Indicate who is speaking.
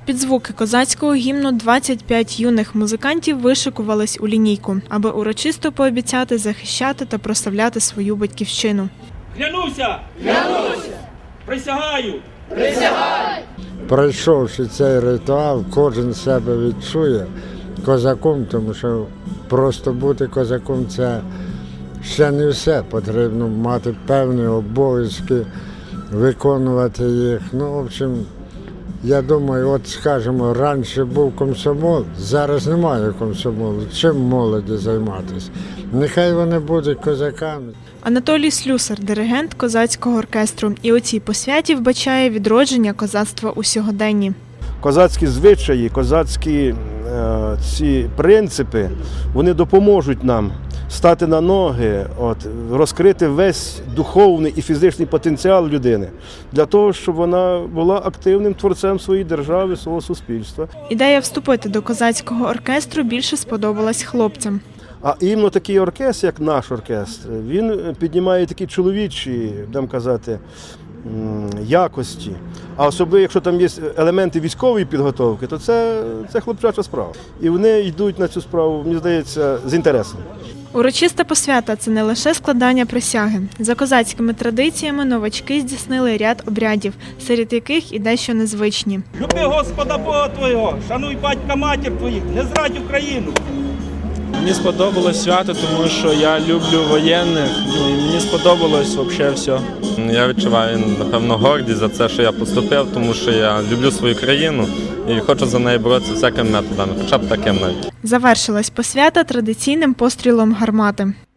Speaker 1: Під звуки козацького гімну 25 юних музикантів вишикувались у лінійку, аби урочисто пообіцяти захищати та прославляти свою батьківщину.
Speaker 2: Клянуся! Клянуся! Присягаю! Присягаю!
Speaker 3: Пройшовши цей ритуал, кожен себе відчує козаком, тому що просто бути козаком – це ще не все. Потрібно мати певні обов'язки, виконувати їх. Ну, в общем, я думаю, от, скажімо, раніше був комсомол, зараз немає комсомолу. Чим молоді займатися? Нехай вони будуть козаками.
Speaker 1: Анатолій Слюсар – диригент козацького оркестру. І у цій посвяті вбачає відродження козацтва у сьогоденні.
Speaker 4: Козацькі звичаї, козацькі ці принципи, вони допоможуть нам стати на ноги, розкрити весь духовний і фізичний потенціал людини для того, щоб вона була активним творцем своєї держави, свого суспільства.
Speaker 1: Ідея вступити до козацького оркестру більше сподобалась хлопцям.
Speaker 4: А іменно такий оркестр, як наш оркестр, він піднімає такі чоловічі, будемо казати, якості. А особливо, якщо там є елементи військової підготовки, то це хлопчача справа. І вони йдуть на цю справу, мені здається, з інтересом.
Speaker 1: Урочиста посвята – це не лише складання присяги. За козацькими традиціями новачки здійснили ряд обрядів, серед яких і дещо незвичні.
Speaker 2: Люби Господа Бога твого, шануй батька матір твоїх, не зрадь Україну.
Speaker 5: Мені сподобалось свято, тому що я люблю воєнних, і мені сподобалось взагалі все.
Speaker 6: Я відчуваю, напевно, гордість за це, що я поступив, тому що я люблю свою країну і хочу за неї боротися всякими методами, хоча б таким навіть.
Speaker 1: Завершилась посвята традиційним пострілом гармати.